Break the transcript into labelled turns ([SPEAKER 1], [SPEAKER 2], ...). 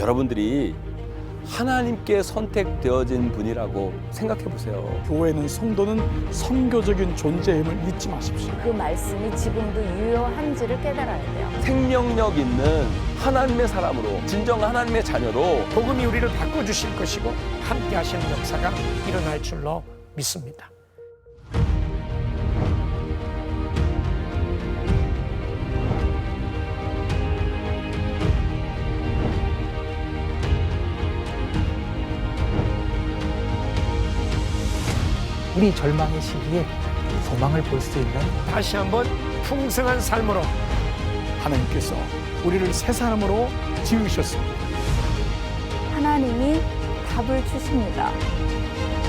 [SPEAKER 1] 여러분들이 하나님께 선택되어진 분이라고 생각해 보세요.
[SPEAKER 2] 교회는 성도는 선교적인 존재임을 잊지 마십시오.
[SPEAKER 3] 그 말씀이 지금도 유효한지를 깨달아야 돼요.
[SPEAKER 1] 생명력 있는 하나님의 사람으로, 진정 하나님의 자녀로
[SPEAKER 4] 복음이 우리를 바꿔주실 것이고 함께 하시는 역사가 일어날 줄로 믿습니다.
[SPEAKER 5] 우리 절망의 시기에 소망을 볼 수 있는
[SPEAKER 4] 다시 한번 풍성한 삶으로
[SPEAKER 2] 하나님께서 우리를 새 사람으로 지으셨습니다.
[SPEAKER 3] 하나님이 답을 주십니다.